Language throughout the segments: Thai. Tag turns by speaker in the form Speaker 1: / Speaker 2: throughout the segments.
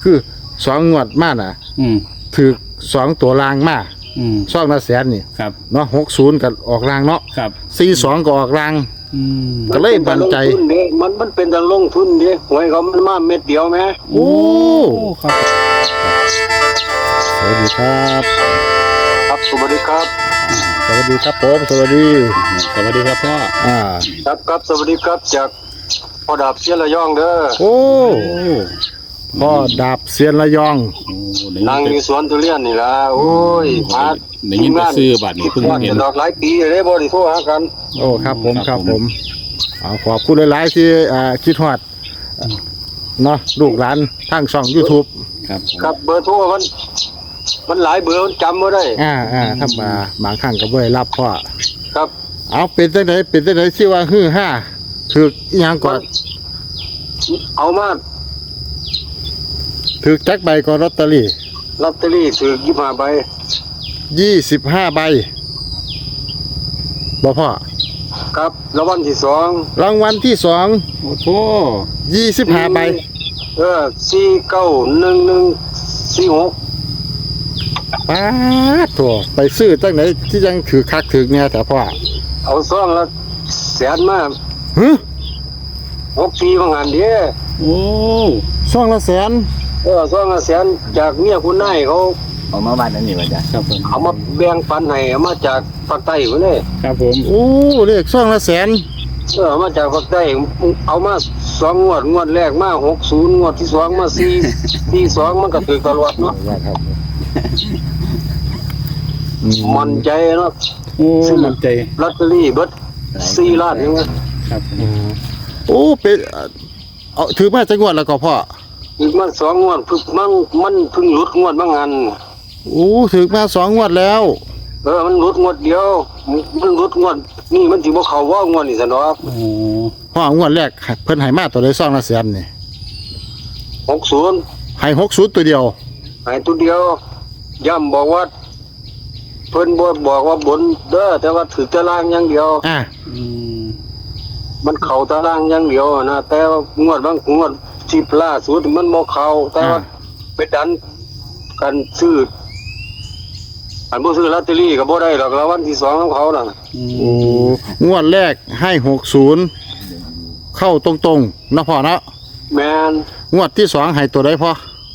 Speaker 1: คือสองงวดมาน่ะถือสองตัวรางมาซ่องละแสนนี่
Speaker 2: ครับ
Speaker 1: เนาะ60กับออกรางเนาะ
Speaker 2: ครับ
Speaker 1: 42ก็ออกรางก็เลยบันใจ
Speaker 3: มันเป็นการลงทุนดิหวยเขามันมาเม็ดเดียวไหม
Speaker 1: โอ้
Speaker 2: ครับ
Speaker 1: สวัสดีครับ
Speaker 3: ครับสวัสดีครับ
Speaker 1: สวัสดีครับผมสวัสดี
Speaker 2: ครับพ่อ
Speaker 3: ครับสวัสดีครับจากพ่อดาบเสียระยองเด้อ
Speaker 1: โอ้พ่อดาบเซียนระยอง
Speaker 3: นั่งอยู่สวนทุเรียนนี่ล่ะโอ้ยมา
Speaker 2: ได้ยินแต่ซื้อบัตรนี่เพิ่งเห็น
Speaker 3: ดอกหลายปีเลยบ่ได้โทรหากัน
Speaker 1: โอ้ครับผมขอบคุณหลายๆที่คิดฮอดเนาะลูกหลานทางช่อง YouTube
Speaker 3: ครับเบอร์โทรมันหลายเบอร์มันจำบ่ได้
Speaker 1: ถ้ามาบางครั้งก็บ่ได้รับพ่อ
Speaker 3: ครับ
Speaker 1: เอาเป็นจังไดที่ว่าฮือฮาถูกอีหยังก่อน
Speaker 3: เอามา
Speaker 1: ถูกจักใบก่อนลอตเตอรี่
Speaker 3: ถูก25ใบ
Speaker 1: 25ใบบ่พ่อ
Speaker 3: ครับรางวัลที่2
Speaker 1: รางวัลที่2
Speaker 2: โอ้โห
Speaker 1: 25ใบ
Speaker 3: 491146
Speaker 1: ป๊าดโถไปซื้อจังไหนที่ยังถือคักถือเนี่ยแต่พ่อ
Speaker 3: เอาซองละแสนมา6 ปีบางงานเด้
Speaker 2: โอ้
Speaker 1: ซองละแสน
Speaker 3: ซองละแสนจากเมียคุณนายเขา
Speaker 4: เอามาบ้านนั่นนี่ว่าจ้ะ
Speaker 2: ครับผม
Speaker 3: เอามาแบ่งปันให้เอามาจากภาคใต้พุ่นนี่
Speaker 2: ครับผม
Speaker 1: โอ้เลขซองละแสน
Speaker 3: เอามาจากภาคใต้เอามา2งวดแรกมา60งวดที่2มา42มันก็ถูกตลอดเนาะมั่นใจเนาะ
Speaker 2: โอ้มั่นใจ
Speaker 3: ลอตเตอรี่เบิด4ล้านยัง
Speaker 2: ครับ
Speaker 1: โอ้เป็นเอาถือมาจักงวดแล้วก็พ่อ
Speaker 3: อีกมา2งวดมันเพิ่งหลุดงวดบางอัน
Speaker 1: โอ้ถือมา2งวดแล้ว
Speaker 3: มันหลุดงวดเดียวมันหลุดงวดนี่มันสิบ่เข้าว่างวดนี่ซะเนาะ
Speaker 1: พ่องวดแรกเพิ่นให้มาตัวใดซองละแสนนี่
Speaker 3: 60
Speaker 1: ให้60ตัวเดียว
Speaker 3: ให้ตัวเดียวย้ำบอกว่าเพิ่นบ่บอกว่าบนเด้อแต่ว่าถือตารางอย่างเดียวมันเข้าตารางอย่างเดียวนะแต่ว่างวดบางงวด10ล่าสุดมันบ่เข้าแต่ว่าไปดันกันซื้ออันบ่ซื้อลอตเตอรี่ก็บ่ได้หรอกรางวัลที่2ของเขาน่ะ
Speaker 1: โอ้งวดแรกให้60เข้าตรงๆนะพ่อเนาะ
Speaker 3: แม่น
Speaker 1: งวดที่2ให้ตัวใดพ่อ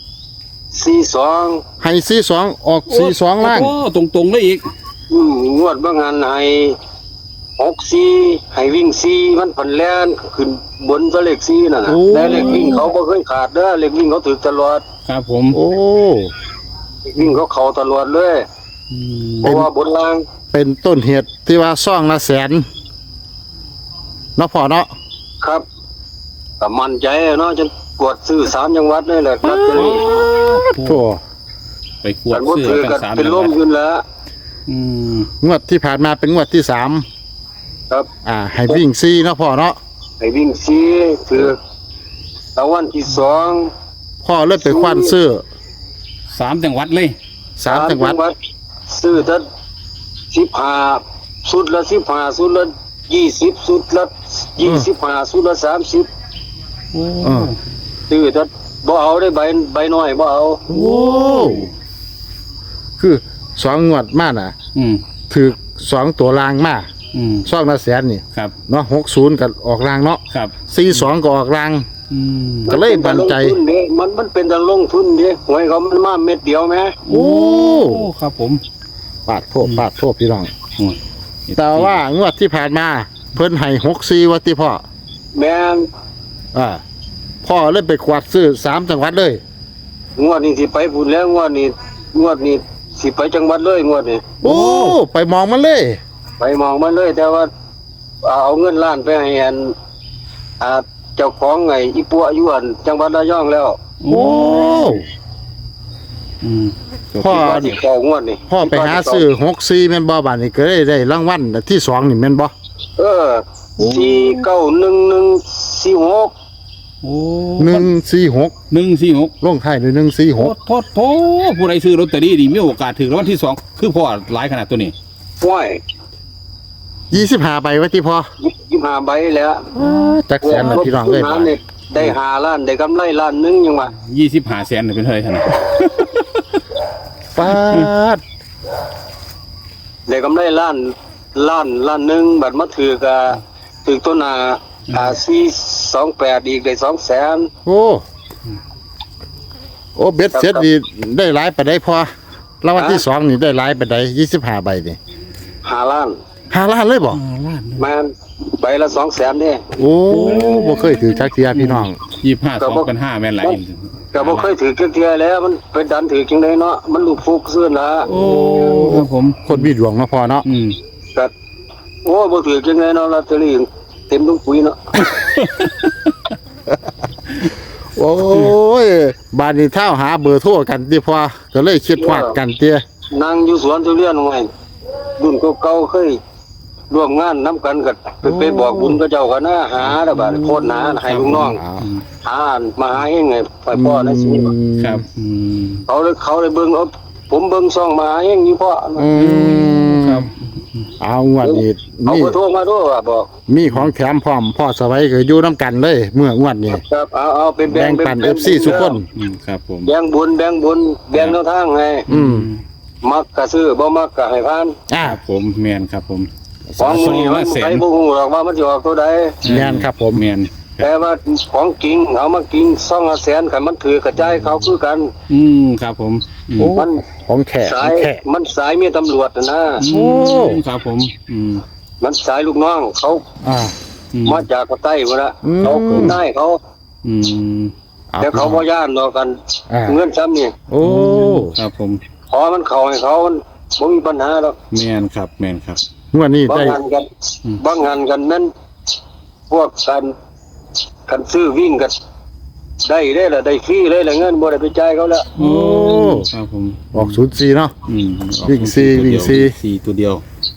Speaker 3: 42
Speaker 1: ให้42ออก42ล่าง
Speaker 2: โอ้ตรงๆเลยอีก
Speaker 3: งวดบางอันให้64ให้วิ่ง4มันพันแล่นขึ้นบนตัวเลข4นั่นน่ะแต่เลขวิ่งเขาบ่เคยขาดเด้อเลขวิ่งเขาถูกตลอด
Speaker 2: ครับผม
Speaker 1: โอ้
Speaker 3: เลขวิ่งเขาเข้าตลอดเลยเพราะว่าบนล่าง
Speaker 1: เป็นต้นเหตุที่ว่าซ่องละแสนเนาะพ่อเนาะ
Speaker 3: ครับก็มั่นใจเนาะจนกวดซื้อ3จังหวัดนี่แหละครับ
Speaker 1: โถ่
Speaker 2: ไปกวดซื้อกัน3
Speaker 3: เป็นลมขึ้นแล้ว
Speaker 1: งวดที่ผ่านมาเป็นงวดที่3
Speaker 3: ครับ
Speaker 1: ให้วิ่ง4เนาะพ่อเนาะ
Speaker 3: ให้วิ่ง4ถือรางวัลที่2
Speaker 1: พ่อเลิกไปคว้านซื้อ
Speaker 2: 3จังหวัดเลย
Speaker 1: 3จังหวัด
Speaker 3: ซื้อตั้ง15สุดละ15สุดละ20สุดละ25สุดละ30ซื้อตั้งบ่เอาได้ใบน้อยบ่เอา
Speaker 1: โอ้คือ2งวดมาน่ะถือ2ตัวรางมาซ่องละแสนนี่
Speaker 2: ครับ
Speaker 1: เนาะ60กับออกรางเนาะ
Speaker 2: ครับ
Speaker 1: 42ก็ออกรางก็เลยบันใจ
Speaker 3: มันเป็นการลงทุนดิหวยเขามันมาเม็ดเดียวไหม
Speaker 1: โอ้
Speaker 2: ครับผม
Speaker 1: ปาดโทษพี่น้องแต่ว่างวดที่ผ่านมาเพิ่นให้64ว่าติพ่อ
Speaker 3: แม่น
Speaker 1: พ่อเลยไปกวาดซื้อ3จังหวัดเลย
Speaker 3: งวดนี้สิไปพูดแล้วงวดนี้สิไปจังหวัดเลยงวดนี้
Speaker 1: โอ้ไปมองมันเลย
Speaker 3: ไปมองมันเลยแต่ว่าเอาเงินล้านไปให้เจ้าของไงอีปัวอยู่อันจังหวัดระยองแล้ว
Speaker 1: โอ้พ่อ
Speaker 3: ที่ของวดนี่
Speaker 1: พ่อไปหาซื้อ64แม่นบ่บาดนี้ก็ได้รางวัลที่2นี่แม่นบ่
Speaker 3: 491146
Speaker 2: โอ้
Speaker 1: 146ลงท้ายด้วย146
Speaker 2: โทผู้ใดซื้อลอตเตอรี่นี่มีโอกาสถูกรางวัลที่2คือพ่อหลายขนาดตัวนี้
Speaker 3: ว้าย
Speaker 1: 25ใบว่าที่พ่อ
Speaker 3: 25ใบแล้ว
Speaker 1: จักแสนละพี่น้องเอ้ย
Speaker 3: ได้5 ล้านได้กำไรล้านหนึงยังว่า
Speaker 2: 25 แสนเป็นเท่าไหร่ท่าน
Speaker 1: ปาด
Speaker 3: ได้กำไรล้านหนึงบัดมาถือต้นหน้า428อีกได้200,000
Speaker 1: โอ้โอ้เบ็ดเสร็จนี่ได้หลายไปได้พอรางวัลที่2นี่ได้หลายไปได้25ใบนี่
Speaker 3: 5 ล้าน
Speaker 1: 5 ล้านเลยบ่
Speaker 3: มันใบละ200,000เด้
Speaker 1: โอ้บ่เคยถือจักเทียพี่น้อง
Speaker 2: 25 2เป็น5แม่นหลาย
Speaker 3: ก็บ่เคยถือเทื่อแล้วมันไปดันถือจังได๋เนาะมันลูกฟุกซื่อนะ
Speaker 2: โอ้ครับผม
Speaker 1: คนมีดวงเนาะพอเนาะ
Speaker 3: ก็โอ้บ่ถือจังได๋เนาะลอตเตอรี่เต็มทุกปุ๋ยเนาะ
Speaker 1: โอ้ยบานนี้เท่าหาเบอร์โทรกันติพอก็เลยคิดฮอดกันเตี้ย
Speaker 3: นั่งอยู่สวนทุเรียนไว้รุ่นเก่าๆเคยร่วมงานนํกันก็ไปบอกบุญกับเจ้าก็นะหาแล้วบัดโคตรหาให้ลูกน้องหามาหาเองไงไปพ่อในชีวิต
Speaker 2: ครับ
Speaker 3: เขาเลยเบิ่งเอาผมเบิ่งซ่องมาหาเองอยู่พ่อ
Speaker 2: ครับ
Speaker 1: เอางวดนี้
Speaker 3: เอา
Speaker 1: มี
Speaker 3: เบอร์โทรมาด้วยว่าบอก
Speaker 1: มีของแถมพร้อมพ่อสวัยก็อยู่นํกันเลยเมื่องวดนี้
Speaker 3: ครับเอาเป็น
Speaker 1: แบ่งปัน FC ทุกคน
Speaker 2: ครับผม
Speaker 3: แบ่งบุญแบ่งแนวทางให้ มักก็ซื้อบ่มักก็ให้ผ่าน
Speaker 2: ครับผมแม่นครับผม
Speaker 3: ของมื้อนี้มันใครบ่ฮู้หรอกว่ามันสิออกตัวใด
Speaker 1: แม่นครับผม
Speaker 2: แม่น
Speaker 3: แต่ว่าของจริงเอามากิน200,000คันมันถือกระจายเขาคือกัน
Speaker 2: ครับผม
Speaker 1: โอ้
Speaker 3: มัน
Speaker 1: ของแขก
Speaker 3: สาย
Speaker 1: แขก
Speaker 3: มันสายเมียตำรวจนะ
Speaker 2: ครับผม
Speaker 3: มันสายลูกน้องเขา
Speaker 1: อ่า
Speaker 3: มาจากภาคใต้พุ่นน่ะเขาคือได้เขา
Speaker 1: เอา
Speaker 3: แต่เขาบ่ย่านดอกกัน
Speaker 1: อ่า
Speaker 3: เงินซ้ำนี่
Speaker 1: โอ้
Speaker 2: ครับผม
Speaker 3: ขอมันเข้าให้เขามันบ่มีปัญหาดอก
Speaker 2: แม่นครับแม่นครับ
Speaker 1: งวดนี้
Speaker 3: บาง
Speaker 1: ได้
Speaker 3: งานกันบางงานกันนั้นพวกกันซื้อวิ่งกันได้ล่ะได้ฟรีเลยล่ะเงินบ่ได้ไปจ่ายเขาแล้ว
Speaker 1: โอ้
Speaker 2: ครับผม
Speaker 1: ออก04เนาะ วิ่งสี่วิ่งสี่
Speaker 2: สี่ตัวเดียว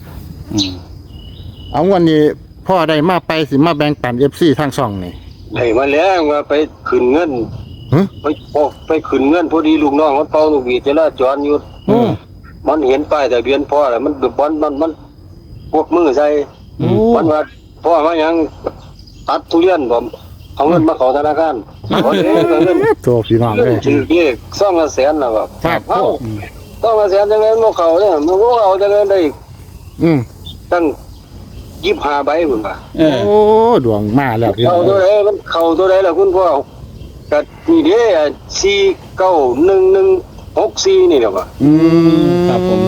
Speaker 1: เอางวดนี้พ่อได้มาไปสิมาแบ่งปัน FC ทางช่องนี่
Speaker 3: ได้มาแล้วว่าไปขึ้นเงิน
Speaker 1: ฮะ
Speaker 3: ไปขึ้นเงินพอดีลูกน้องมันเป่าลูกหวีดจราจรอยู่
Speaker 1: โอ้
Speaker 3: มันเห็นป้ายทะเบียนพ่อแล้วมันบอนมันพวกมือใส่
Speaker 1: โอ้
Speaker 3: มันว่าพ่อมาหยังตัดทุเรียนผมเอาเงินมาเข้าธนาคารเอาเงิน
Speaker 1: โตพี่น้อง
Speaker 3: เงิ
Speaker 1: เล
Speaker 3: น
Speaker 1: ย
Speaker 3: ถือเลข200,000แล้วก็
Speaker 1: ครับ
Speaker 3: เอ้า200,000จังได๋บ่เข้าเนี่ยมันบ่เอาจังได๋ได้
Speaker 1: อืม
Speaker 3: ตั้ง25ใบพุ่นว่า
Speaker 1: โอ้ดวงมาแล้วพี่น้
Speaker 3: เข้า
Speaker 1: อง
Speaker 3: ตัวใดมันเข้าตัวใดล่ะคุณพ่อก็นี่เด้491164นี่แหละว่า
Speaker 2: ครับผม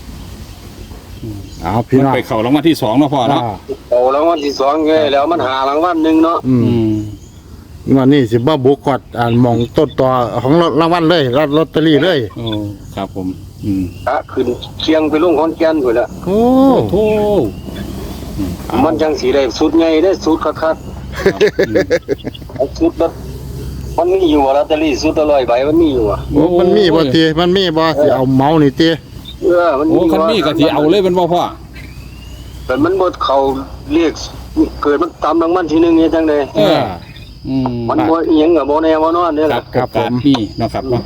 Speaker 1: เอาพี่น้อง
Speaker 2: ไปเข้ารางวัลที่2เนาะพ่อเนาะ
Speaker 3: เอารางวัลที่2ไงแล้วมันหารางวัลหนึงเนาะ
Speaker 1: งวดนี้สิบ่บุกกอดหมองต้นตอของรางวัลเลยรับลอตเตอรี่เลย
Speaker 2: โอ้ครับผม
Speaker 3: ขึ้นเชียงไปลงขอนแก่นพุ่นละ
Speaker 1: โอ้
Speaker 2: โอ้
Speaker 3: มันจังสีได้สุดใหญ่ได้สุดคักๆเอาสุดแบบมันมีอยู่ว่าลอตเตอรี่สุดละ100ใบมันมีอยู่อ่ะ
Speaker 1: โอ้มันมีบ่ทีมันมีบ่สิเอาเมานี่ติ
Speaker 3: มัน
Speaker 2: โอ้คันนี้ก็สิเอาเลยเป็นบ่พ่อ
Speaker 3: แต่มันบ่เข้าเรียกเกิดมันตามรางวัลที่1นี่จังได๋มันบ่อีหยังก็บ่แน่บ่นอนเด้อ
Speaker 2: ครั
Speaker 3: ล่ะ
Speaker 2: บครับผมนี่เนาะครับเนาะ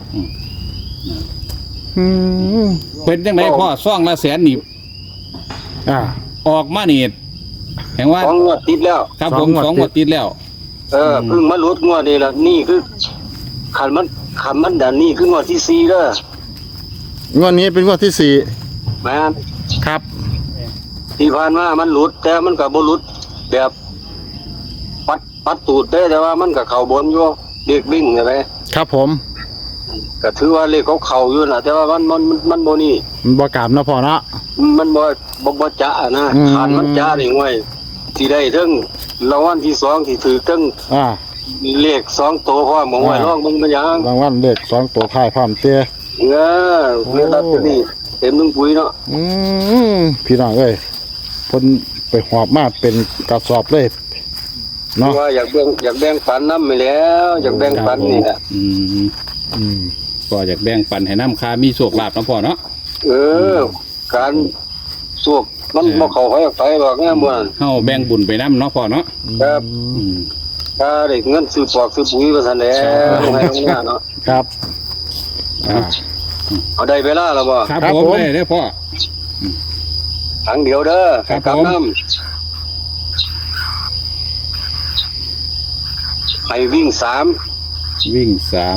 Speaker 2: เป็นจังไดพ่อซ่องละแสนนี่
Speaker 1: อ่า
Speaker 2: ออกมานี่แห่งว่า
Speaker 3: ของงวดติดแล้ว
Speaker 2: ครับผม
Speaker 1: 2
Speaker 2: 2 งวดติดแล้ว
Speaker 3: เพิ่งมาลดงวดนี่ล่ะนี่คือคันมันดันนี่คืองวดที่4เด้อง
Speaker 1: วดนี้เป็นงวดที่สี่
Speaker 3: แม่น
Speaker 1: ครับ
Speaker 3: ที่ผ่านมามันหลุดแต่มันก็บ่หลุดแบบปัดตูดได้แต่ว่ามันก็เข้าบนอยู่เด็กวิ่งใช่ไหม
Speaker 1: ครับผม
Speaker 3: ก็ถือว่าเลขเขาเข้าอยู่น่ะแต่ว่ามันบ่นี่
Speaker 1: มันบ่กล้ามเนาะพ่อเนาะ
Speaker 3: มันบ่จะนะ
Speaker 1: อืม
Speaker 3: ขาดมันจะนี่ไว้สิได้ถึงรางวัลที่2ที่ถือถึง
Speaker 1: อ่า
Speaker 3: เลข2ตัวพร้อมบ่ไว้ลองเบิ่งมันหยัง
Speaker 1: รางวัลเลข2ตัวท้ายพร้อมเตี้ย
Speaker 3: เเรียกลอตเตอรี่เต็มถุงปุ๋ยเนาะ
Speaker 1: พี่น้องเอ้ยเพิ่นไปหอบมาเป็นกระสอบเลยเนาะ
Speaker 3: ว่าอยากแบ่งปันนำไปแล้วอยากแบ่งปันนี่แหละ
Speaker 2: ก็อยากแบ่งปันให้น้ำค้ามีโชคลาภนะพ่อเนาะ
Speaker 3: การสวกมันบ่เข้าไปหรอกเนี่ยมื้อนั้น
Speaker 2: เฮาแบ่งบุญไปน้ำเนาะพ่อเนาะ
Speaker 3: ครับถ้าได้เงินซื้อปอกซื้อปุ๋ยว่าซั่นแหล้วให้ลงหน้าเนาะ
Speaker 1: ครับอ่า
Speaker 3: เอาได้เวลาแล้วบ่
Speaker 2: ครับ
Speaker 1: ครับ
Speaker 2: ผม
Speaker 1: ผม
Speaker 2: ได้พ่อ
Speaker 3: ถังเดียวเด้อ
Speaker 2: ครับ
Speaker 3: กลั
Speaker 2: ผม
Speaker 3: น้ำให้วิ่งสาม
Speaker 2: วิ่งสาม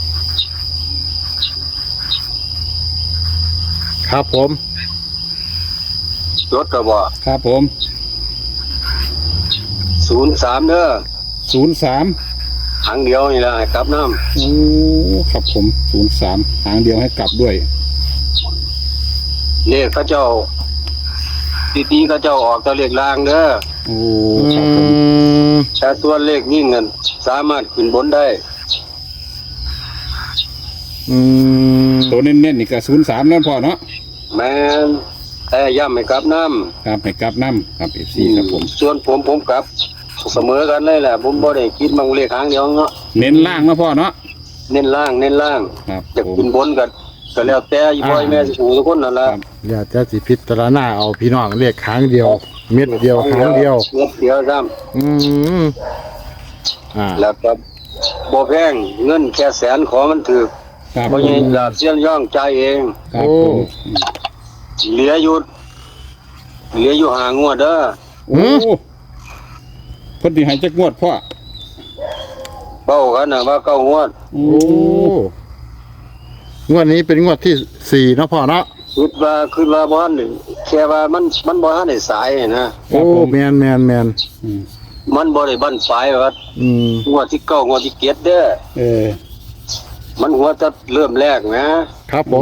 Speaker 1: ครับผม
Speaker 3: รถกระบอก
Speaker 2: ครับผม
Speaker 3: 03เด้อ
Speaker 2: 03
Speaker 3: หางเดียวนี่แหละให้กลับน้
Speaker 2: โอ้ครับผม03หางเดียวให้กลับด้วย
Speaker 3: ำเลขเขาเจ้าตีเขาเจ้าออกจะเลขล่างเด้อ
Speaker 2: โอ้
Speaker 1: อื
Speaker 2: ครับผม
Speaker 1: ม
Speaker 3: แต่ส่วนเลขยิ่งเงินสามารถขึ้นบนได้
Speaker 1: อืม
Speaker 2: ตัวเน้นๆนี่ก็03นั่นพอเนาะ
Speaker 3: แม่นแต่ย่ำให้กลับน้
Speaker 2: ครับให้กลับน้ำครับ FC
Speaker 3: ำ
Speaker 2: ครับผม
Speaker 3: ส่วนผมกลับเสมอกันเลยแหละผมบ่ได้คิดมังเลขหางเดียวเนาะ
Speaker 2: เน้นล่างนะพ่อเนาะ
Speaker 3: เน้นล่าง
Speaker 2: ครับ
Speaker 3: จะ
Speaker 2: ผม
Speaker 3: ขึ้นบนก็แล้วแต่อีบอยแม่สิหูทุกคนนั่นล่ะ
Speaker 2: ครับ
Speaker 1: เดี๋ยวจะสิพิจารณาเอาพี่น้องเรียกครั้งเดียว เม็ดเดียวครั้งเดียว
Speaker 3: เม็ดเดียวซ้
Speaker 1: อืมอ่า
Speaker 3: ำแล้วก็บ่แพงเงินแค่แสนขอมันถูก
Speaker 2: ครับ
Speaker 3: บ่ยิงลาบเสียนย่องใจายเอง
Speaker 2: ครับผม
Speaker 3: เหลืออยู่หางวดเด้อ
Speaker 2: โอ้เพิ่นสิให้จักงวดพ่อ
Speaker 3: เป้ากันน่ะว่าเก้างวด
Speaker 2: โอ้
Speaker 1: โอ้งวดนี้เป็นงวดที่สี่เนาะพ่อเนาะ
Speaker 3: คิดว่าบ่ทันได้แค่ว่ามันบ่ทันได้สายนะ
Speaker 2: ครั
Speaker 1: โอ้
Speaker 2: บผม
Speaker 1: แมน
Speaker 2: อืม
Speaker 3: มันบ่ได้บั้นปลายว่า
Speaker 1: อืม
Speaker 3: งวดที่เก้างวดที่เจ็ดเด้อ
Speaker 2: เออ
Speaker 3: มันหัวจะเริ่มแรกนะครับ
Speaker 1: ผม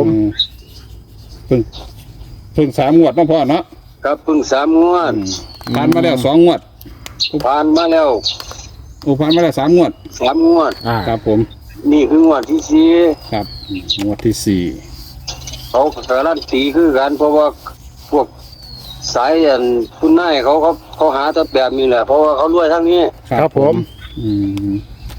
Speaker 2: เพิ่ง3งวดเนาะพ่อเนาะ
Speaker 3: ครับเพิ่ง3งวด
Speaker 2: ผ่านมาแล้ว2งวด
Speaker 3: ผ่านมาแล้ว
Speaker 2: โอ้ผ่านมาแล้ว3งวด
Speaker 3: 3งวด
Speaker 1: อ่า
Speaker 2: ครับผม
Speaker 3: นี่คืองวดที่สี่
Speaker 2: ครับงวดที่
Speaker 3: เขาการันตีคือกันเพราะว่าพวกสายอันคุณนายเขาหาแต่แบบนี้แหละเพราะว่าเขารวยทั้งนี้
Speaker 2: 4
Speaker 1: ครับผม
Speaker 2: อืม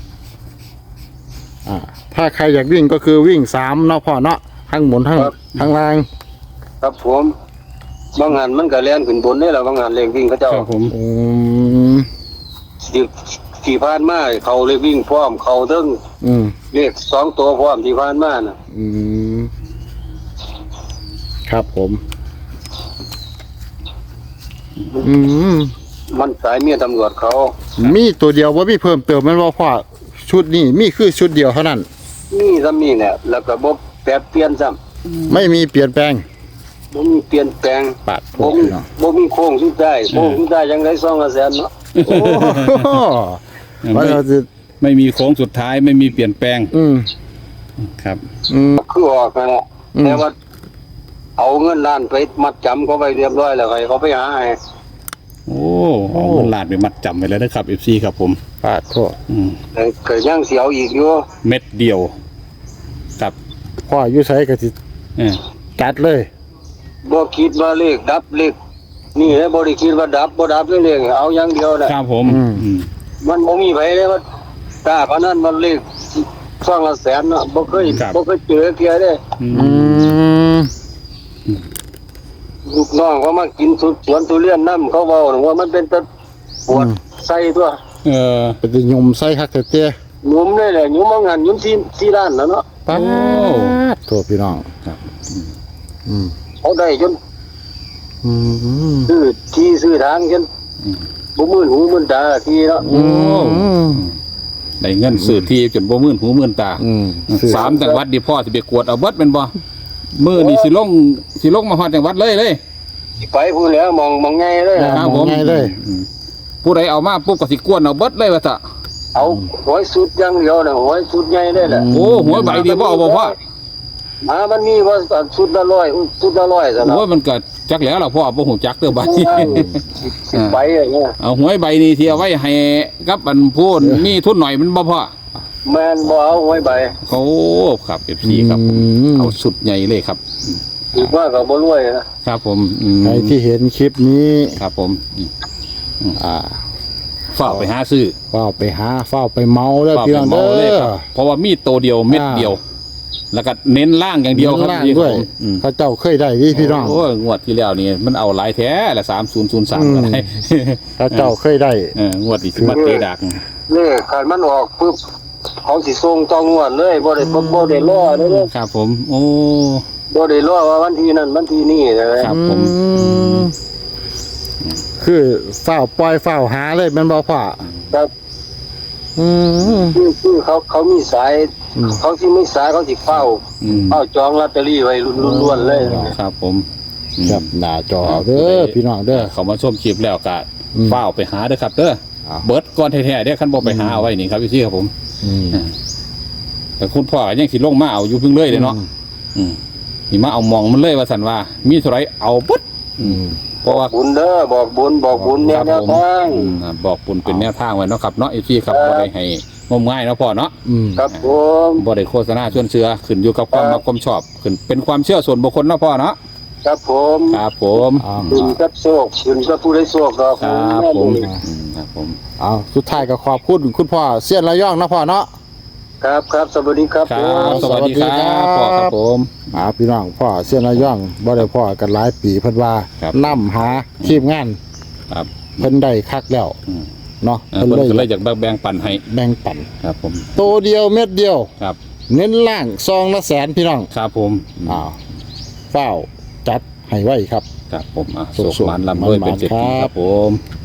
Speaker 1: อ่าถ้าใครอยากวิ่งก็คือวิ่ง3เนาะพ่อเนาะทั้งหมุนทั้งล่าง
Speaker 3: ครับผมบางงานมันก็แล่นขึ้นบนได้แล้วบางงานเลขวิ่งเขาเจ้า
Speaker 2: ครับผม
Speaker 1: อืม
Speaker 3: ที่ผ่านมาเขาเลขวิ่งพร้อมเขาถึง
Speaker 1: อืม
Speaker 3: เลข2ตัวพร้อมที่ผ่านมาน่ะ
Speaker 1: อืมครับผม อืม
Speaker 3: มันสายเมียตำรวจเขา
Speaker 1: มีตัวเดียวว่ามีเพิ่มเติมแมันว่าพ่อชุดนี้มีคือชุดเดียวเท่านั้น
Speaker 3: นี่ซ้ำนี่เนี่ยแล้วก็บ่แปรเปลี่ยนซ้
Speaker 1: ไม่มีเปลี่ยนแปลง
Speaker 3: ำบ่มีเปลี่ยนแปลง
Speaker 1: ปาดโท
Speaker 3: บ่
Speaker 1: ษ
Speaker 3: มี
Speaker 1: เนาะ
Speaker 3: บ่มีโค้งสุดท้ายโค้งสุดท้ายยังได้200,000เนาะ
Speaker 1: โอ้โหว่าเราจะ
Speaker 2: ไม่มีโค้งสุดท้ายไม่มีเปลี่ยนแปลง
Speaker 1: อืม
Speaker 2: ครับ
Speaker 1: อืม
Speaker 3: คือออกนั่นแหละ
Speaker 1: อืม
Speaker 3: แต่ว่าเอาเงินล้านไปมัดจำเขาไปเรียบร้อยแล้วให้เขาไปหาให้
Speaker 2: โอ้เอาเงินล้านไปมัดจำไว้แล้วนะครับ FC ครับผม
Speaker 1: ปาดโทษ
Speaker 2: อืม
Speaker 3: แต่ก็ยังเสียวอีกอยู่
Speaker 2: เม็ดเดียวครับ
Speaker 1: พ่ออยู่ไสก็สิ
Speaker 2: เออ
Speaker 1: จัดเลย
Speaker 3: บ่คิดว่าเลขดับเลขนี่แหละบ่ได้คิดว่าดับบ่ดับเลขเอาอย่างเดียวน่ะ
Speaker 2: ครับผมอืม
Speaker 3: มันบ่มีไผเลยว่ากล้าพนันมันเลข200,000เนาะบ่เคยเจอเที่ยเด้
Speaker 2: อื
Speaker 1: อื
Speaker 2: ม
Speaker 1: ม
Speaker 3: ลูกน้องเขามากินสวนทุเรียนน้ำเขาเว้าว่ามันเป็นตะปวดใส่ตัว
Speaker 2: เออ
Speaker 1: เป็นสิยมใส่คักแต่เตี้ย
Speaker 3: หยุมเลยแหละหยุมเอางานหยุมที่ร้านแล้วเนาะ
Speaker 1: ปาดโทษพี่น้อง
Speaker 2: ครับ
Speaker 1: อืม
Speaker 3: เขาได้จน
Speaker 1: อืม
Speaker 3: ซื้อทางจนบ่มื่นหูมื่นตาทีเนาะ
Speaker 1: อืม
Speaker 2: ได้เงินซื้อที่จนบ่มื่นหูมื่นตา
Speaker 1: อืม
Speaker 2: 3จังหวัดดิพ่อสิไปกวดเอาเบิดแม่นบ่มื้อนี้สิลงมาฮอดจังหวัดเลย
Speaker 3: สิไปพูดแล้วมองไงเลย
Speaker 2: ครับ
Speaker 1: ม
Speaker 2: ผ
Speaker 1: อง
Speaker 2: ม
Speaker 1: ง่ายเลย
Speaker 2: ผู้ใดเอามาปุ๊บก็สิกวนเอาเบิดเลยว่าซะ
Speaker 3: เอาหอยสุดอย่างเดียวนะหอยสุดใหญ่ได้แหละ
Speaker 2: โอ้หัวใบเดียวบ่เอาบ่พ่อ
Speaker 3: มันมีว่าสุดละร้อยสุดละร้อยซะนะ
Speaker 2: โอ้ยมันก็จักแล้วล่ะพ่อบ่ฮู้จักเด้อบัดนี้
Speaker 3: สิไปอย่างเงี้ย
Speaker 2: เอาหวยใบนี้ที่เอาไว้ให้กับอันพูนมีทุนหน่อยมันบ่พ่อ
Speaker 3: แม่นบ่เอาหอยใบ
Speaker 2: โอ้ครับ FC ครับ เอาสุดใหญ่เลยครับ
Speaker 3: ถือว่าก็บ่รวยนะครับ
Speaker 2: ผมอืม
Speaker 1: ใครที่เห็นคลิปนี้
Speaker 2: ครับผมอืม
Speaker 1: อ่า
Speaker 2: ฝากไปหาซื้อ
Speaker 1: เฝ้าไปหาเฝ้าไปเมาแล้ว
Speaker 2: ฝาก
Speaker 1: พี่
Speaker 2: ไป
Speaker 1: น้อง
Speaker 2: เมา
Speaker 1: เด้
Speaker 2: เลย
Speaker 1: อ
Speaker 2: ครับเพราะว่ามีตัวเดียวเม็ดเดียว แล้วก็เน้นล่างอย่างเดียวครับ
Speaker 1: ล่าง
Speaker 2: พี่
Speaker 1: ด้วย
Speaker 2: ผมอืม
Speaker 1: เขาเจ้าเคยได้ที่พี่น้อง
Speaker 2: โอ้ยงวดที่แล้วนี่มันเอาหลายแท้ละ3003ก็ได้
Speaker 1: เขาเจ้าเคยได้
Speaker 2: งวดอีกสิมาเตะดัก
Speaker 3: นี่คันมันออกปึ๊บเขาสิส่งต้องงวดเลยบ่ได้รอเด้อ
Speaker 2: ครับผมโอ้
Speaker 3: บ่ได้รอว่าวันที่นั้นวันที่นี้นะครับ
Speaker 2: ผม
Speaker 1: คือเฝ้าปล่อยเฝ้าหาเลยแมันบ่พ่อ
Speaker 3: ครับ
Speaker 1: อืม
Speaker 3: คือเขามีสาย เขาที่ไม่สายเขาสิเฝ้า
Speaker 2: อืม
Speaker 3: เฝ้าจองลอตเตอรี่ไว้ล้วนๆเลย
Speaker 2: ครับผมอืม
Speaker 1: ครับหน้าจอเด้อพี่น้องเด้อ
Speaker 2: เขามาชมคลิปแล้วก็
Speaker 1: อืม
Speaker 2: เฝ้าไปหาเด้อครับเด้อ
Speaker 1: อ่า
Speaker 2: เบิดก่อนแท้ๆเด้อคันบ่ไปหาเอาไว้นี่ครับพี่ครับผม
Speaker 1: อืม
Speaker 2: แต่คุณพ่อก็ยังสิลงมาเอาอยู่เพิ่งเลยเด้เนาะอืมนี่มาเอามองมันเลยว่าสันว่า มีเท่าไหรเอาเบิด
Speaker 1: อืม
Speaker 2: เพราะว่า
Speaker 3: บุญเด้อบอกบุญแนว
Speaker 2: ครับผม
Speaker 3: ทาง
Speaker 2: บอกปุ่นเป็นแนวทางไว้เนาะครับเนาะพี่ครับบ่ได้ให้งมง่ายเนาะพ่อเนาะ
Speaker 1: อืม
Speaker 3: ครับผม
Speaker 2: บ่ได้โฆษณาชวนเชื่อขึ้นอยู่กับความ
Speaker 3: ครับ
Speaker 2: มักความชอบขึ้นเป็นความเชื่อส่วนบุคคลเนาะพ่อเนาะ
Speaker 3: ครับผม
Speaker 2: ครับผม
Speaker 1: อ่า
Speaker 3: บุญกับโชคบุญกับผู้ได้โชคดอก
Speaker 2: ครับผมครับผม
Speaker 1: เอาสุดท้ายก็ขอบคุณคุณพ่อเสี้ยนระยองนะพ่อเนาะ
Speaker 3: ครับสวัสดีครับ
Speaker 2: ค
Speaker 3: ผ
Speaker 2: รับ
Speaker 3: ม
Speaker 2: สวัสดีครับพ่อครับผม
Speaker 1: พี่น้องพ่อเสี้ยนระยองบ่ได้พ่อกันหลายปีเพิ่นว่า
Speaker 2: ครับ
Speaker 1: นํหาทีมงาน
Speaker 2: ครับ
Speaker 1: เพิ่นได้คักแล้ว
Speaker 2: อืม
Speaker 1: เนาะ
Speaker 2: เพิ่นก็เลยอยากแบ่งปันให้
Speaker 1: แบ่งปัน
Speaker 2: ครับผม
Speaker 1: โตเดียวเม็ดเดียว
Speaker 2: ครับ
Speaker 1: เน้นล่างซองละแสนพี่น้อง
Speaker 2: ครับผม
Speaker 1: อ้าวเฝ้าจัดให้ไว้ครับ
Speaker 2: ครับผมอ่ะ
Speaker 1: สุข
Speaker 2: สุขมันลำด้วยเป็นเศรษฐี
Speaker 1: มันๆ
Speaker 2: ครับผม